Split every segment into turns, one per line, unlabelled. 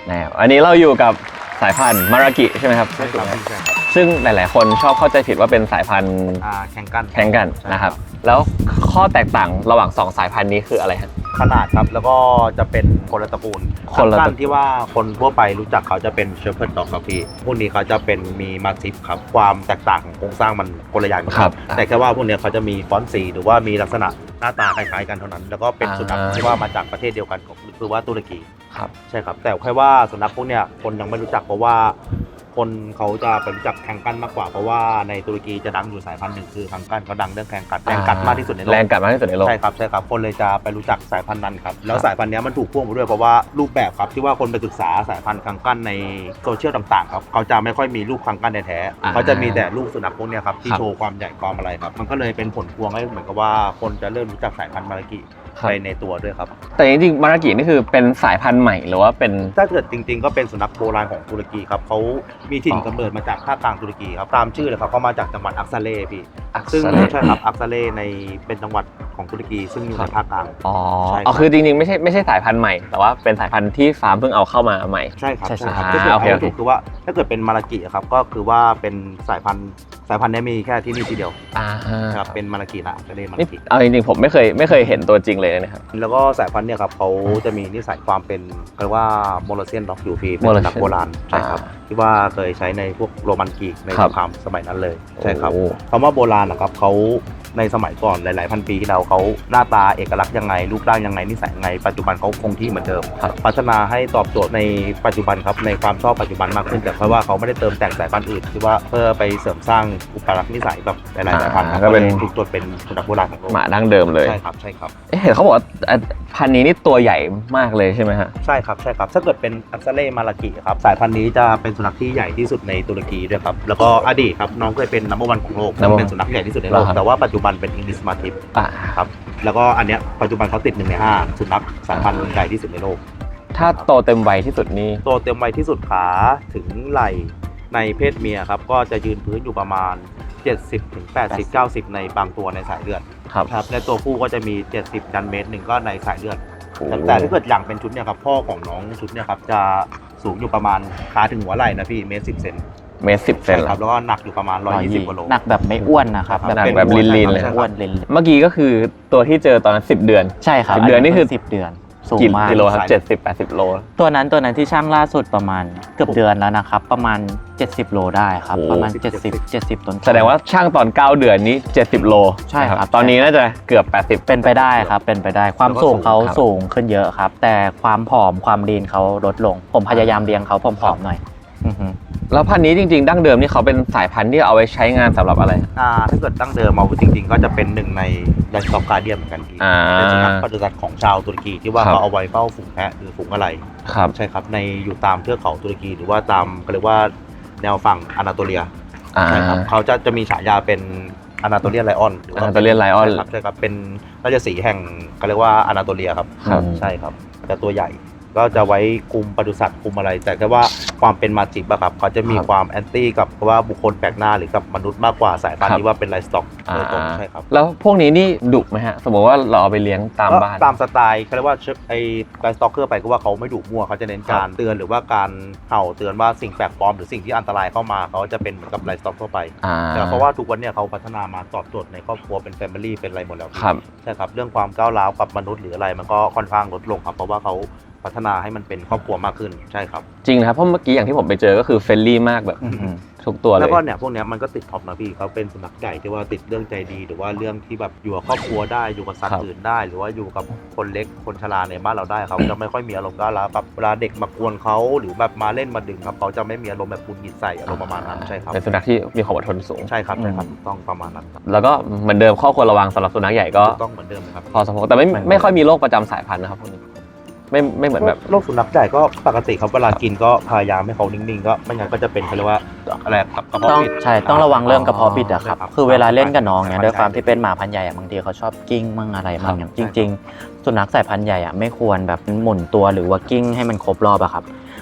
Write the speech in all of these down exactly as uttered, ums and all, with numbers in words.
แนวอันนี้เราอยู่กับสายพันธุ์มารากิใช่ไหมครับ
ใช่ครับใช่ครับ
ซึ่งหลายๆคนชอบเข้าใจผิดว่าเป็นสายพันธุ์
แข่งกัน
แข่งกันนะครับแล้วข้อแตกต่างระหว่างสองสายพันธุ์นี้คืออะไรครับ
ขนาดครับแล้วก็จะเป็นคนละตระกูล
คนละตระกูล
ที่ว่าคนทั่วไปรู้จักเขาจะเป็นเชฟเพิร์ดดอกครับพี่พวกนี้เขาจะเป็นมีมาซิฟครับความแตกต่างของโครงสร้างมันคนละอย่างกันครับแต่แค่ว่าพวกนี้เขาจะมีฟอนต์สีหรือว่ามีลักษณะหน้าตาคล้ายๆกันเท่านั้นแล้วก็เป็นสุนัขที่ว่ามาจากประเทศเดียวกันคือว่าตุรกี
ครับ
ใช่ครับแต่แค่ว่าสุนัขพวกเนี้ยคนยังไม่รู้จักเพราะว่าคนเขาจะไปรู้จักแข่งกันมากกว่าเพราะว่าในตุรกีจะดังอยู่สายพันธุ์หนึ่งคือแข่งกันเขาดังเรื่องแข่งกัดแรงกัดมากที่สุดในโลก
แรงกัดมากที่สุดในโลก
ใช่ครับใช่ครับคนเลยจะไปรู้จักสายพันธุ์นั้นครับแล้วสายพันธุ์นี้มันถูกพ่วงมาด้วยเพราะว่ารูปแบบครับที่ว่าคนไปศึกษาสายพันธุ์แข่งกันในโซเชียลต่างๆครับเขาจะไม่ค่อยมีรูปแข่งกันแท้ๆเขาจะมีแต่รูปสุนัขพวกนี้ครับที่โชว์ความใหญ่ความอะไรครับมันก็เลยเป็นผลพวงให้เหมือนกับว่าคนจะเริ่มรู้จักสายพันธุ์มารากิไปในตัวด้วยครับ
แต่จริงๆมารากินี่คือเป็นสายพันธุ์ใหม่หรือว่าเป็น
ถ้าเกิดจริงๆก็เป็นสุนัขโบราณของตุรกีครับเขามีถิ่นกำเนิดมาจากภาคกลางตุรกีครับตามชื่อเลยครับเขามาจากจังหวัดอักซาเล่พี่ซึ่งใช่ครับอักซาเล่ในเป็นจังหวัดของตุรกีซึ่งอยู่ในภาคกลาง
อ๋ออ๋อคือจริงๆไม่ใช่ไม่ใช่สายพันธุ์ใหม่แต่ว่าเป็นสายพันธุ์ที่ฟาร์มเพิ่งเอาเข้ามาใหม่
ใช่ครับใช่ครับก็คือเอาถูกคือว่าถ้าเกิดเป็นมารากิครับก็คือว่าเป็นสายพันธุ์สายพันธุ์นี้มีแค่ที่นี่ทีเดียวครับเป็นมารากินะอักซาเล่มารากิ
เอาจริงๆผมไม่เคยไม่เคยเห็นตัวจริงเลยนะครับ
แล้วก็สายพันธุ์เนี่ยครับเขาจะมีนิสัยความเป็นเรียกว่าโมโลเซียนด็อกอยู่พี่เป็นสุนัขโบราณใช่ครับที่ว่าเคยใช้ในพวกโรมันกรีกในสงครามสมัยนั้นเลยใช่ครับคำว่าโบราณนะครับเขาในสมัยก่อนหลายๆพันปีที่แล้วเขาหน้าตาเอกลักษณ์ยังไงรูปร่างยังไงนิสัยยังไงปัจจุบันเขาคงที่เหมือนเดิมพัฒนาให้ตอบโจทย์ในปัจจุบันครับในความชอบปัจจุบันมากขึ้นแต่เพราะว่าเขาไม่ได้เติมแต่งสายพันธุ์อื่นที่ว่าเพื่อไปเสริมสร้างอุปลักษณ์นิสัยแบบหลายๆสายพันธุ์ก็เป็นถูกตรวจเป็นสุนัขโบราณของโลก
หมาดั้งเดิมเลย
ใช่ครับใช่ครับ
เห็นเขาบอกว่าพันธุ์นี้นี่ตัวใหญ่มากเลยใช่ไหมฮะ
ใช่ครับใช่ครับถ้าเกิดเป็นอักซาเล่มารากิครับสายพันธุ์นี้จะเป็นสุนัขที่ใหญ่ที่สุดในตุรกีด้วยครับแล้วก็อดีตครับน้องเคยเป็นนัมเบอร์วันของโลกเป็นสุนัขใหญ่ที่สุดในโลกแต่ว่าปัจจุบันเป็นอิงลิชมาทิฟครับแล้วก็อันเนี้ยปัจจุบันเขาติดหนึ่งในห้าสุนัขสายพันธุ์ใหญ่ที่สุดในโลก
ถ้าโตเต็มวัยที่สุดนี่
โตเต็มวัยที่สุดขาถึงไหล่ในเพศเมียครับก็จะยืนพื้นอยู่ประมาณเจ็ดสิบถึงแปดสิบ เก้าสิบในบางตัวในสายเลือดครับในตัวผู้ก็จะมีเจ็ดสิบดันเมตรหนึ่งก็ในสายเลือดแต่ถ้าเกิดอย่างเป็นชุดเนี่ยครับพ่อของน้องชุดเนี่ยครับจะสูงอยู่ประมาณขาถึงหัวไหล่นะพี่เมตรสิบเซน
เมตรสิบเซน
ครับแล้วก็หนักอยู่ประมาณหนึ่งร้อยยี่สิบกิโล
หนักแบบไม่อ้วนนะครับ
หนักแบบลีนๆเลย
อ้วนลีน
เมื่อกี้ก็คือตัวที่เจอตอนนั้นสิบเดือน
ใช่ครับ
สิบเดือนนี่คือ
สิบเดือนสูงมาก
กิโลครับเจ็ดสิบ แปดสิบโล
ตัวนั้นตัวนั้นที่ช่างล่าสุดประมาณเกือบเดือนแล้วนะครับประมาณเจ็ดสิบโลได้ครับประมาณเจ็ดสิบ เจ็ดสิบต้น
แสดงว่าช่างตอนเก้าเดือนนี้เจ็ดสิบโล
ใช่ครับ
ตอนนี้น่าจะเกือบแปดสิบ
เป็นไปได้ครับเป็นไปได้ความสูงเขาสูงขึ้นเยอะครับแต่ความผอมความลีนเขาลดลงผมพยายามเลี้ยงเขาผอมๆหน่อย
แล้วพันธุ์นี้จริงๆดั้งเดิมนี่เขาเป็นสายพันธุ์ที่เอาไว้ใช้งานสำหรับอะไร
อ่าถ้าเกิดดั้งเดิมเอาจริงๆก็จะเป็นหนึ่งในยันซอกการเดียนเหมือนกันที่เป็นสุนัขปฏิบัติของชาวตุรกีที่ว่าเขาเอาไว้เฝ้าฝูงแพะหรือฝูงอะไร
ครับ
ใช่ครับในอยู่ตามเทือกเขาตุรกีหรือว่าตามเขาเรียกว่าแนวฝั่งอนาโตเลียใช่ครับเขาจะจะมีฉายาเป็นอนาโตเลียนไลออนหรือ
อนาโตเลียนไลออน
ใช่ครับเป็นราชสีห์แห่งเขาเรียกว่าอนาโตเลียครับใช่ครับแต่ตัวใหญ่ก็จะไว้คุมปศุสัตว์คุมอะไรแต่แค่ว่าความเป็นมาจิบอะครับเขาจะมีความแอนตี้กับว่าบุคคลแปลกหน้าหรือกับมนุษย์มากกว่าสายพันธุ์ที่ว่าเป็นไลฟ์สต็อกโดยตรงใช่ครับ
แล้วพวกนี้นี่ดุไหมฮะสมมติว่าเราเอาไปเลี้ยงตามบ้าน
ตามสไตล์เขาเรียกว่าไอ้ไลฟ์สต็อกเกอร์ไปก็ว่าเขาไม่ดุมั่วเขาจะเน้นการเตือนหรือว่าการเห่าเตือนว่าสิ่งแปลกปลอมหรือสิ่งที่อันตรายเข้ามาเขาจะเป็นเหมือนกับไลฟ์สต็อกทั่วไปแต่เพราะว่าทุกวันเนี่ยเขาพัฒนามาตอบโจทย์ในครอบครัวเป็นแฟมิลี่เป็นอะไรหมดแล้วใช่ครับเรื่องความก้าวร้าวกับมนุษย์หรืออะไรมันก็ค่อนข้างลดลงครับเพราะว่าเขาพัฒนาให้มันเป็นครอบครัวมากขึ้นใช่ครับ
จริงนะครับเพราะเมื่อกี้อย่างที่ผมไปเจอก็คือเฟรนลี่มากแบบทุกตัวเลย
แล้วก็เนี่ยพวกนี้มันก็ติดท็อปนะพี่เขาเป็นสุนัขใหญ่ที่ว่าติดเรื่องใจดีหรือว่าเรื่องที่แบบอยู่กับครอบครัวได้อยู่กับสัตว์อื่นได้หรือว่าอยู่กับคนเล็กคนชราในบ้านเราได้เขาจะไม่ค่อยมีอารมณ์ก้าวร้าวแบบเวลาเด็กมากวนเขาหรือแบบมาเล่นมาดึงครับเขาจะไม่มีอารมณ์แบบกุนกิดใส่อารมณ์ประมาณนั้นใช่ครับ
เป็นสุนัขที่มีความอดทนสูง
ใช่ครับใช่ครับต้องประมาณนั้น
แล้วก็เหมือนเดิมข้อควรระวังสำหรับสุนัขใหญ่ก็
ต้องเหมือนเดิมครับ
พอสมควรแต่ไม่ไม่ค่อยมีโรคประจำสายพันธุ์นะครับพวกนี้ไม่ไม่เหมือนแบบ
โรคสุนัขใหญ่ก็ปกติครับเวลากินก็พยายามให้เขานิ่งๆก็ไม่งั้นก็จะเป็นเขาเรียกว่าอะไรกระเพาะปิด
ใช่ต้องระวังเรื่องกระเพาะปิดอะครับคือเวลาเล่นกับน้องเนี่ยด้วยความที่เป็นหมาพันธุ์ใหญ่บางทีเขาชอบกิ้งมั่งอะไรมั่งจริงๆสุนัขสายพันธุ์ใหญ่อะไม่ควรแบบหมุนตัวหรือว่ากิ้งให้มันครบรอบอะครับ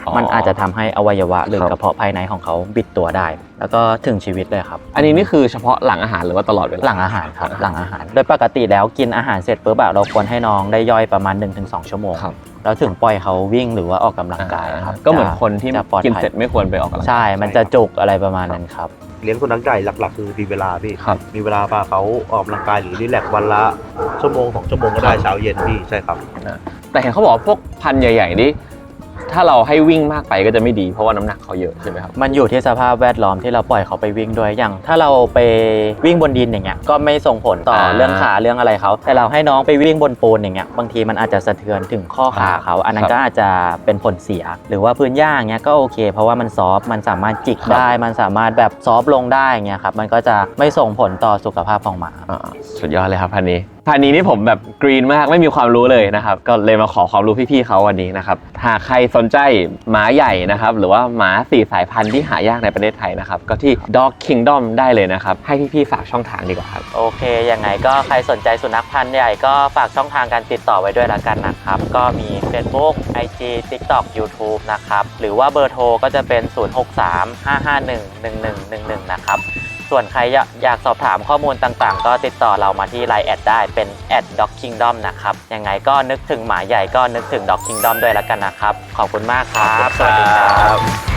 อ๋อ
มันอาจจะทำให้อวัยวะหรือ
ครับ
กระเพาะภายในของเขาบิดตัวได้ แล้วก็ถึงชีวิตเลยครับ
อันนี้นี่คือเฉพาะหลังอาหารหรือว่าตลอดเวลา
หลังอาหารครับหลังอาหาร โดยปกติแล้วกินอาหารเสร็จปุ๊บอะเราควรให้น้องได้ย่อยประมาณ หนึ่งถึงสอง ชั่วโมง
ครับ
แล้วถึงปล่อยเขาวิ่งหรือว่าออกกำลังกายครับ
ก็เหมือนคนที่
จะปลอด
กิน
ภัย
เสร็จไม่ควรไปออกกำลังกาย
ใช่ มันจะจุกอะไรประมาณนั้นครับ
เลี้ยงสุนัขใหญ่หลักๆ คือมีเวลาพี่
ครับ
มีเวลาพาเขาออกกำลังกายหรือรีแลกซ์วันละชั่วโมงสองชั่วโมงก็ได้เช้าเย็นพี่ใช่ครับ
แต่เห็นเขาบอกว่าพวกพันธุ์ใหญ่ๆนี่ถ้าเราให้วิ่งมากไปก็จะไม่ดีเพราะว่าน้ำหนักเขาเยอะใช่ไหมครับ
มันอยู่ที่สภาพแวดล้อมที่เราปล่อยเขาไปวิ่งด้วยอย่าง ถ้าเราไปวิ่งบนดินอย่างเงี้ยก็ไม่ส่งผลต่อ
อ่า
เรื่องขาเรื่องอะไรเขาแต่เราให้น้องไปวิ่งบนปูนอย่างเงี้ยบางทีมันอาจจะสะเทือนถึงข้อขาเขาอันนั้นก็อาจจะเป็นผลเสีย หรือว่าพื้นหญ้าอย่างเงี้ยก็โอเค เพราะว่ามันซอฟต์มันสามารถจิกได้มันสามารถแบบซอฟต์ลงได้อย่างเงี้ยครับมันก็จะไม่ส่งผลต่อสุขภาพของหมา
อ่าสุดยอดเลยครับพันนี้พันนี้นี่ผมแบบกรีนมากไม่มีความรู้เลยนะครับก็เลยมาขอความรู้พี่ๆเขาวันนี้นะครับหากใครสนใจหมาใหญ่นะครับหรือว่าหมาสี่สายพันธุ์ที่หายากในประเทศไทยนะครับก็ที่ Dog Kingdom ได้เลยนะครับให้พี่ๆฝากช่องทางดีกว่าครับ
โอเค ยังไงก็ใครสนใจสุนัขพันธุ์ใหญ่ก็ฝากช่องทางการติดต่อไว้ด้วยละกันนะครับ ก็มี Facebook ไอ จี TikTok YouTube นะครับ หรือว่าเบอร์โทรก็จะเป็น ศูนย์ หก สาม ห้า ห้า หนึ่ง หนึ่ง หนึ่ง หนึ่ง หนึ่ง นะครับ ส่วนใครอยากสอบถามข้อมูลต่างๆ ก็ติดต่อเรามาที่ ไลน์ แอดได้เป็น แอท ด็อก คิงดอม นะครับ ยังไงก็นึกถึงหมาใหญ่ก็นึกถึง Dog Kingdom ด้วยละกันนะครับ ขอบคุณมากครับ สวัสดีครับ